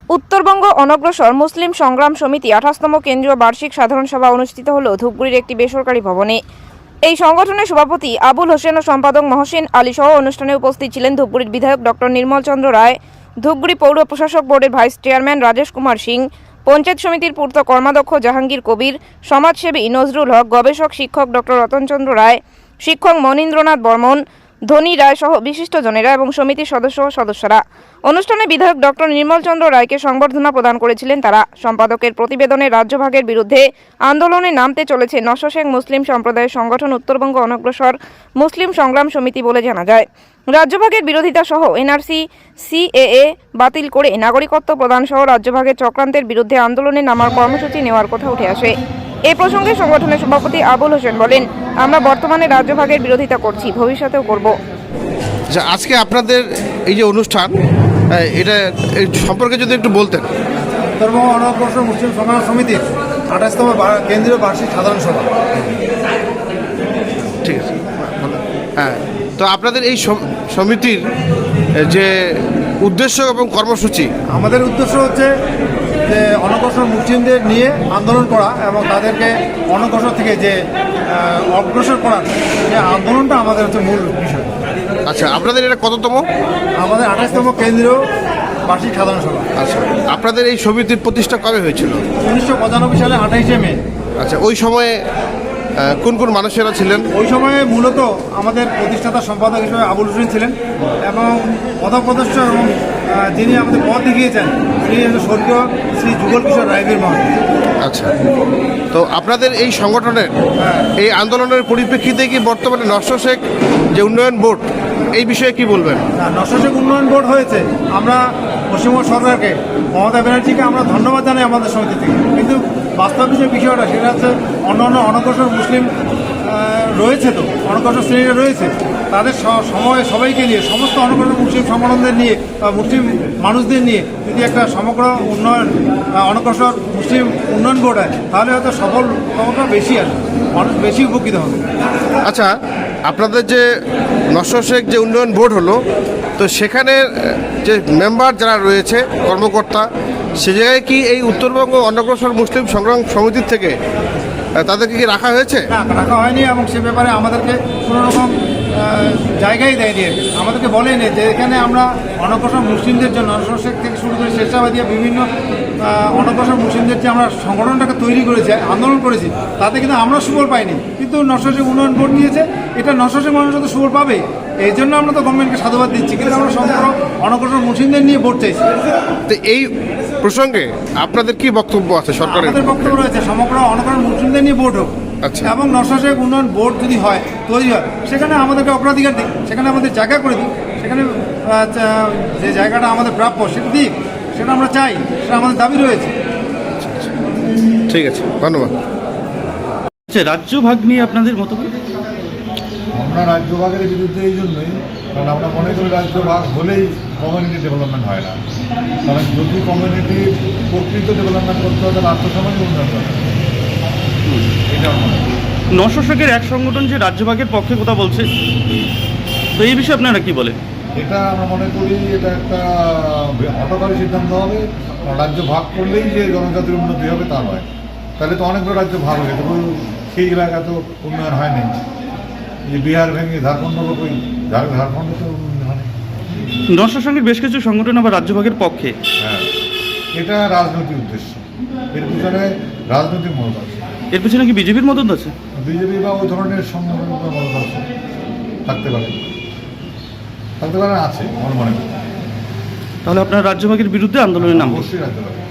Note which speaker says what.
Speaker 1: উত্তরবঙ্গ অনগ্রসর মুসলিম সংগ্রাম সমিতি 28তম কেন্দ্রীয় বার্ষিক সাধারণ সভা অনুষ্ঠিত হল ধূপগুড়ির একটি বেসরকারি ভবনে। এই সংগঠনের সভাপতি আবুল হোসেন ও সম্পাদক মহসিন আলী সহ অনুষ্ঠানে উপস্থিত ছিলেন ধূপগুড়ির বিধায়ক ডক্টর নির্মল চন্দ্র রায়, ধূপগুড়ি পৌর প্রশাসক বোর্ডের ভাইস চেয়ারম্যান রাজেশ কুমার সিং, পঞ্চায়েত সমিতির পূর্ত কর্মাধ্যক্ষ জাহাঙ্গীর কবির, সমাজসেবী নজরুল হক, গবেষক শিক্ষক ডক্টর রতনচন্দ্র রায়, শিক্ষক মনীন্দ্রনাথ বর্মন, ধনী রায় সহ বিশিষ্টজনেরা এবং সমিতির সদস্য ও সদস্যরা। অনুষ্ঠানে বিধায়ক ডক্টর নির্মল চন্দ্র রায়কে সংবর্ধনা প্রদান করেছিলেন তারা। সম্পাদকের প্রতিবেদনে রাজ্যভাগের বিরুদ্ধে আন্দোলনে নামতে চলেছে নশো শেখ মুসলিম সম্প্রদায়ের সংগঠন উত্তরবঙ্গ অনগ্রসর মুসলিম সংগ্রাম সমিতি বলে জানা যায়। রাজ্যভাগের বিরোধিতা সহ এনআরসি সিএএ বাতিল করে নাগরিকত্ব প্রদান সহ রাজ্যভাগের চক্রান্তের বিরুদ্ধে আন্দোলনে নামার কর্মসূচি নেওয়ার কথা উঠে আসে। এই প্রসঙ্গে সংগঠনের সভাপতি আবুল হোসেন বলেন, আমরা বর্তমানে রাজ্যভাগের বিরোধিতা করছি, ভবিষ্যতেও করব।
Speaker 2: আজকে আপনাদের এই যে অনুষ্ঠান, এটা সম্পর্কে যদি একটু বলতেন।
Speaker 3: উত্তরবঙ্গ অনগ্রসর মুসলিম সংগ্রাম সমিতির 28তম কেন্দ্রীয় বার্ষিক সাধারণ সভা।
Speaker 2: ঠিক আছে, হ্যাঁ। তো আপনাদের এই সমিতির যে উদ্দেশ্য এবং কর্মসূচি?
Speaker 3: আমাদের উদ্দেশ্য হচ্ছে যে অনগ্রসর মুসলিমদের নিয়ে আন্দোলন করা এবং তাদেরকে অনগ্রসর থেকে যে অগ্রসর করার যে আন্দোলনটা আমাদের হচ্ছে মূল বিষয়।
Speaker 2: আচ্ছা, আপনাদের এটা কততম?
Speaker 3: আমাদের 28তম কেন্দ্রীয় বার্ষিক সাধারণ সভা।
Speaker 2: আচ্ছা, আপনাদের এই সমিতির প্রতিষ্ঠা কবে হয়েছিল?
Speaker 3: 1995 সালে 28শে মে।
Speaker 2: আচ্ছা, ওই সময়ে কোন কোন মানুষেরা ছিলেন?
Speaker 3: ওই সময়ে মূলত আমাদের প্রতিষ্ঠাতা সম্পাদক হিসেবে আবুল হোসেন ছিলেন এবং পদপ্রদর্শ এবং যিনি আমাদের পথ দেখিয়েছেন তিনি স্বর্গীয় শ্রী যুগল কিশোর রায়বীর মহাশয়।
Speaker 2: আচ্ছা, তো আপনাদের এই সংগঠনের এই আন্দোলনের পরিপ্রেক্ষিতে কি বর্তমানে নশো শেখ যে উন্নয়ন বোর্ড, এই বিষয়ে কি বলবেন?
Speaker 3: নশো শেখ উন্নয়ন বোর্ড হয়েছে, আমরা পশ্চিমবঙ্গ সরকারকে, মমতা ব্যানার্জিকে আমরা ধন্যবাদ জানাই আমাদের সমিতি থেকে। কিন্তু বাস্তব যে বিষয়টা সেটা হচ্ছে অন্যান্য অনগ্রসর মুসলিম রয়েছে, তো অনগ্রসর শ্রেণীরা রয়েছে, তাদের সময় সবাইকে নিয়ে সমস্ত অনগ্রসর মুসলিম সংগঠনদের নিয়ে বা মুসলিম মানুষদের নিয়ে যদি একটা সমগ্র উন্নয়ন অনগ্রসর মুসলিম উন্নয়ন বোর্ড হয় তাহলে হয়তো সফলতা বেশি আসবে, মানুষ বেশি উপকৃত হবে।
Speaker 2: আচ্ছা, আপনাদের যে নশো শেখ যে উন্নয়ন বোর্ড হলো, তো সেখানে যে মেম্বার যারা রয়েছে কর্মকর্তা, সে জায়গায় কি এই উত্তরবঙ্গ অনগ্রসর মুসলিম সংগ্রাম সমিতির থেকে তাদেরকে কি রাখা হয়েছে?
Speaker 3: না, রাখা হয়নি এবং সে ব্যাপারে আমাদেরকে কোনো রকম জায়গায় দেয়নি। আমাদেরকে বলেনি যে এখানে আমরা অনগ্রসর মুসলিমদের জন্য নশো শেখ থেকে শুরু করে স্বেচ্ছাবাদী বিভিন্ন অনগ্রসর মুসলিমদের যে আমরা সংগঠনটাকে তৈরি করেছি, আন্দোলন করেছি, তাতে কিন্তু আমরা সুফল পাইনি। কিন্তু নশো শেখ উন্নয়ন বোর্ড দিয়েছে, এটা নশো শেখ মানুষ তো সুফল পাবে, এই জন্য আমরা তো গভর্নমেন্টকে সাধুবাদ দিচ্ছি। কিন্তু আমরা সমগ্র অনগ্রসর মুসলিমদের নিয়ে ভোট চাইছি।
Speaker 2: তো এই প্রসঙ্গে আপনাদের কি বক্তব্য আছে? সরকারের
Speaker 3: আমাদের বক্তব্য রয়েছে সমগ্র অনগ্রসর মুসলিমদের নিয়ে ভোট হোক।
Speaker 2: আচ্ছা,
Speaker 3: এবং নশো শেখ উন্নয়ন বোর্ড যদি হয়, তৈরি হয়, সেখানে আমাদেরকে অগ্রাধিকার দিক, সেখানে আমাদের জায়গা করে দিই, সেখানে যে জায়গাটা আমাদের প্রাপ্য সেটা দিক, সেটা আমরা চাই, সেটা আমাদের দাবি রয়েছে।
Speaker 2: ঠিক আছে, ধন্যবাদ।
Speaker 4: আচ্ছা, রাজ্য ভাগ নিয়ে আপনাদের মতামত?
Speaker 5: আমরা রাজ্য ভাগের বিরুদ্ধে এই জন্যই, কারণ আমরা মনে করি রাজ্য ভাগ হলেই কমিউনিটি ডেভেলপমেন্ট হয় না। কারণ যদি কমিউনিটির প্রকৃত ডেভেলপমেন্ট করতে হয় তাহলে আর্থসামাজিক উন্নয়ন করতে হবে। এটা আমার মনে হয়।
Speaker 4: নশো শেখের এক সংগঠন যে রাজ্যভাগের পক্ষে কথা বলছে, তো এই বিষয়ে আপনারা কি বলেন?
Speaker 5: এটা আমরা মনে করি এটা একটা হঠকারী সিদ্ধান্ত হবে। রাজ্য ভাগ করলেই যে জনজাতির উন্নতি হবে তা নয়। তাহলে তো অনেকগুলো রাজ্য ভাগ হয়ে যেত, সেই এলাকা তো উন্নয়ন হয়নি। যে বিহার ভেঙে ঝাড়খণ্ড কই, ঝাড়খণ্ডে তো উন্নয়ন হয়নি।
Speaker 4: নশো শেখের বেশ কিছু সংগঠন আবার রাজ্যভাগের পক্ষে।
Speaker 5: হ্যাঁ, এটা রাজনৈতিক উদ্দেশ্য, এর পিছনে রাজনৈতিক মত আছে।
Speaker 4: এর পিছনে কি বিজেপির মদত আছে?
Speaker 5: বিজেপি বা ওই ধরনের সংগঠনের মত আছে, থাকতে পারে, আছে আমার মনে হয়।
Speaker 4: তাহলে আপনারা রাজ্যভাগের বিরুদ্ধে আন্দোলনের নাম?
Speaker 5: অবশ্যই রাখতে পারে।